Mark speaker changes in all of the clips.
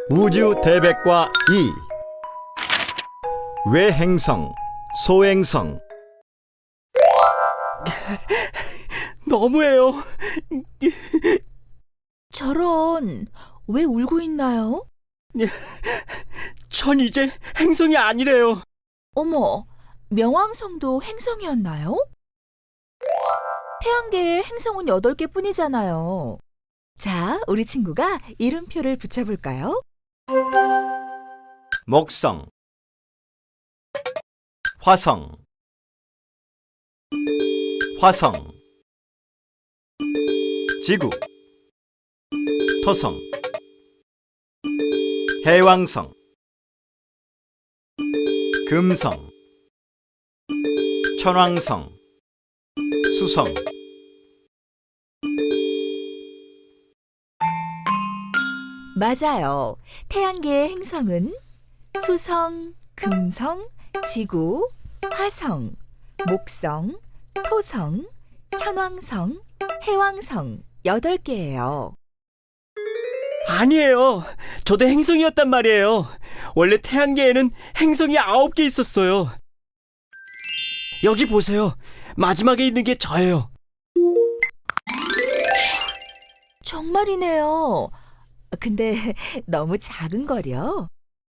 Speaker 1: 우주 대백과 2. 외행성, 소행성.
Speaker 2: 너무해요.
Speaker 3: 저런, 왜 울고 있나요?
Speaker 2: 전 이제 행성이 아니래요.
Speaker 3: 어머, 명왕성도 행성이었나요? 태양계에 행성은 8개 뿐이잖아요. 자, 우리 친구가 이름표를 붙여볼까요?
Speaker 1: 목성, 화성, 화성, 지구, 토성, 해왕성, 금성, 천왕성, 수성.
Speaker 3: 맞아요. 태양계의 행성은 수성, 금성, 지구, 화성, 목성, 토성, 천왕성, 해왕성 8개예요.
Speaker 2: 아니에요. 저도 행성이었단 말이에요. 원래 태양계에는 행성이 9개 있었어요. 여기 보세요. 마지막에 있는 게 저예요.
Speaker 3: 정말이네요. 근데 너무 작은 거려.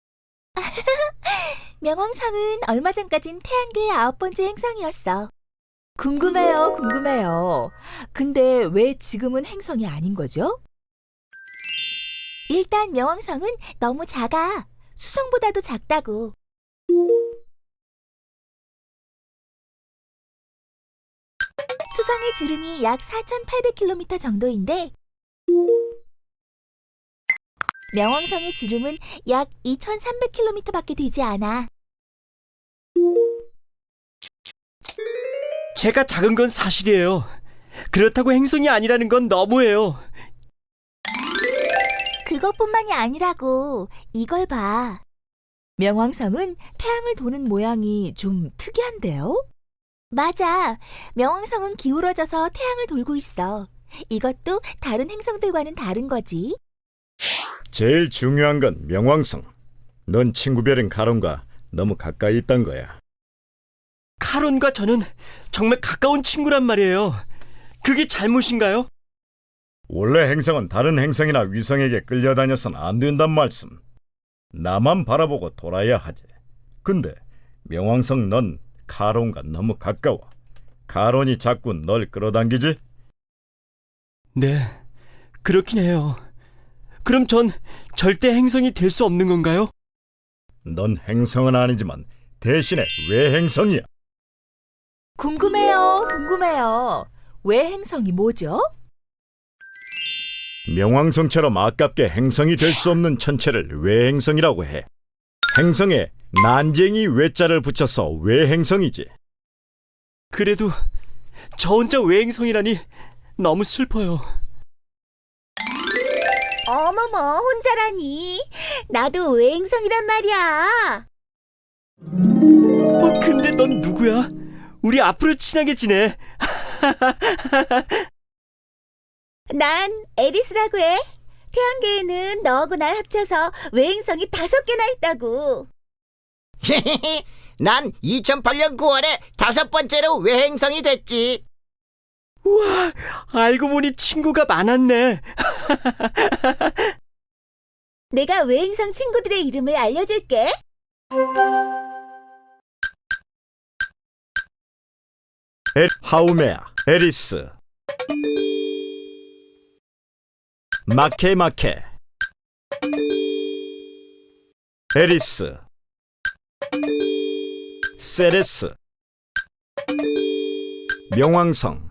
Speaker 3: 명왕성은 얼마 전까진 태양계의 9번째 행성이었어. 궁금해요. 근데 왜 지금은 행성이 아닌 거죠? 일단 명왕성은 너무 작아. 수성보다도 작다고. 수성의 지름이 약 4,800km 정도인데 명왕성의 지름은 약 2,300km밖에 되지 않아.
Speaker 2: 제가 작은 건 사실이에요. 그렇다고 행성이 아니라는 건 너무해요.
Speaker 3: 그것뿐만이 아니라고. 이걸 봐. 명왕성은 태양을 도는 모양이 좀 특이한데요? 맞아. 명왕성은 기울어져서 태양을 돌고 있어. 이것도 다른 행성들과는 다른 거지.
Speaker 1: 제일 중요한 건 명왕성. 넌 친구별인 가론과 너무 가까이 있단 거야.
Speaker 2: 카론과 저는 정말 가까운 친구란 말이에요. 그게 잘못인가요?
Speaker 1: 원래 행성은 다른 행성이나 위성에게 끌려다녀선 안 된단 말씀. 나만 바라보고 돌아야 하지. 근데 명왕성 넌 카론과 너무 가까워. 카론이 자꾸 널 끌어당기지?
Speaker 2: 네, 그렇긴 해요. 그럼 전 절대 행성이 될 수 없는 건가요?
Speaker 1: 넌 행성은 아니지만 대신에 외행성이야.
Speaker 3: 궁금해요. 외행성이 뭐죠?
Speaker 1: 명왕성처럼 아깝게 행성이 될 수 없는 천체를 외행성이라고 해. 행성에 난쟁이 외자를 붙여서 외행성이지.
Speaker 2: 그래도 저 혼자 외행성이라니 너무 슬퍼요.
Speaker 3: 어머머, 혼자라니. 나도 외행성이란 말이야.
Speaker 2: 근데 넌 누구야? 우리 앞으로 친하게 지내.
Speaker 3: 난 에리스라고 해. 태양계에는 너하고 날 합쳐서 외행성이 5개나 있다고.
Speaker 4: 난 2008년 9월에 5번째로 외행성이 됐지.
Speaker 2: 우와, 알고 보니 친구가 많았네.
Speaker 3: 내가 외행성 친구들의 이름을 알려줄게.
Speaker 1: 하우메아, 에리스, 마케마케, 에리스, 세레스, 명왕성.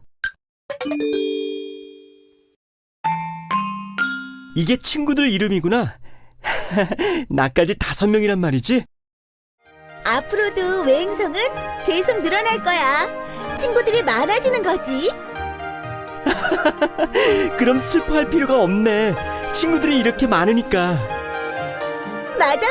Speaker 2: 이게 친구들 이름이구나. 나까지 5명이란 말이지?
Speaker 3: 앞으로도 외행성은 계속 늘어날 거야. 친구들이 많아지는 거지.
Speaker 2: 그럼 슬퍼할 필요가 없네. 친구들이 이렇게 많으니까.
Speaker 3: 맞아.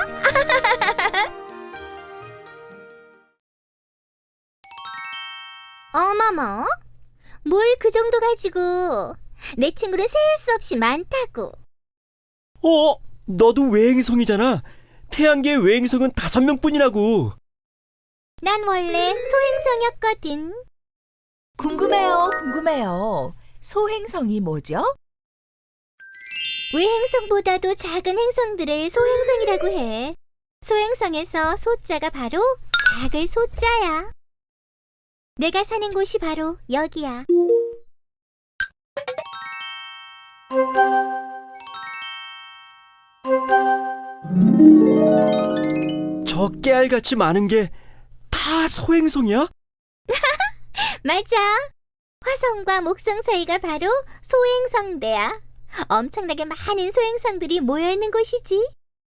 Speaker 3: 어머머, 뭘 그 정도 가지고. 내 친구를 셀 수 없이 많다고.
Speaker 2: 너도 외행성이잖아. 태양계의 외행성은 5명뿐이라고.
Speaker 5: 난 원래 소행성이었거든.
Speaker 3: 궁금해요. 소행성이 뭐죠?
Speaker 5: 외행성보다도 작은 행성들을 소행성이라고 해. 소행성에서 소자가 바로 작을 소자야. 내가 사는 곳이 바로 여기야.
Speaker 2: 저 깨알같이 많은 게 다 소행성이야?
Speaker 5: 맞아. 화성과 목성 사이가 바로 소행성대야. 엄청나게 많은 소행성들이 모여있는 곳이지.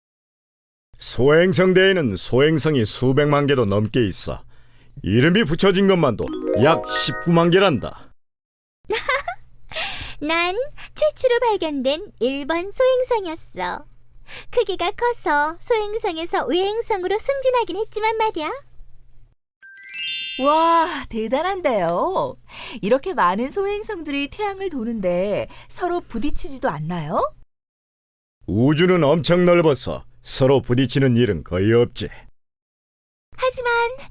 Speaker 1: 소행성대에는 소행성이 수백만 개도 넘게 있어. 이름이 붙여진 것만도 약 19만 개란다.
Speaker 5: 난 최초로 발견된 1번 소행성이었어. 크기가 커서 소행성에서 외행성으로 승진하긴 했지만 말이야.
Speaker 3: 와, 대단한데요. 이렇게 많은 소행성들이 태양을 도는데 서로 부딪히지도 않나요?
Speaker 1: 우주는 엄청 넓어서 서로 부딪히는 일은 거의 없지.
Speaker 3: 하지만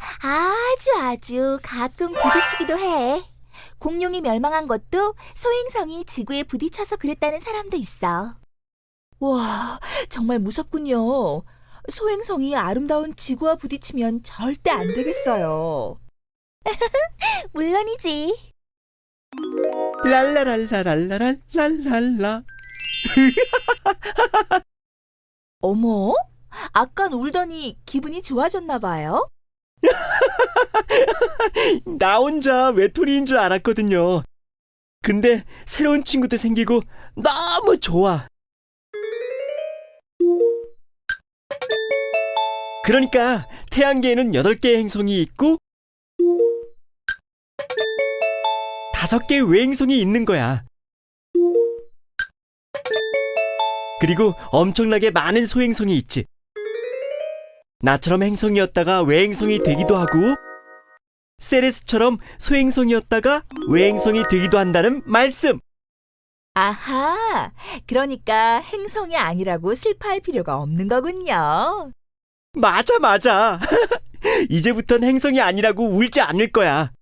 Speaker 3: 아주 가끔 부딪히기도 해. 공룡이 멸망한 것도 소행성이 지구에 부딪혀서 그랬다는 사람도 있어. 와, 정말 무섭군요. 소행성이 아름다운 지구와 부딪히면 절대 안 되겠어요. 물론이지.
Speaker 2: 랄라랄라랄라랄랄랄라.
Speaker 3: 어머, 아깐 울더니 기분이 좋아졌나 봐요?
Speaker 2: 나 혼자 외톨이인 줄 알았거든요. 근데 새로운 친구도 생기고 너무 좋아. 그러니까 태양계에는 8개의 행성이 있고 5개의 외행성이 있는 거야. 그리고 엄청나게 많은 소행성이 있지. 나처럼 행성이었다가 외행성이 되기도 하고 세레스처럼 소행성이었다가 외행성이 되기도 한다는 말씀.
Speaker 3: 아하, 그러니까 행성이 아니라고 슬퍼할 필요가 없는 거군요.
Speaker 2: 맞아. 이제부턴 행성이 아니라고 울지 않을 거야.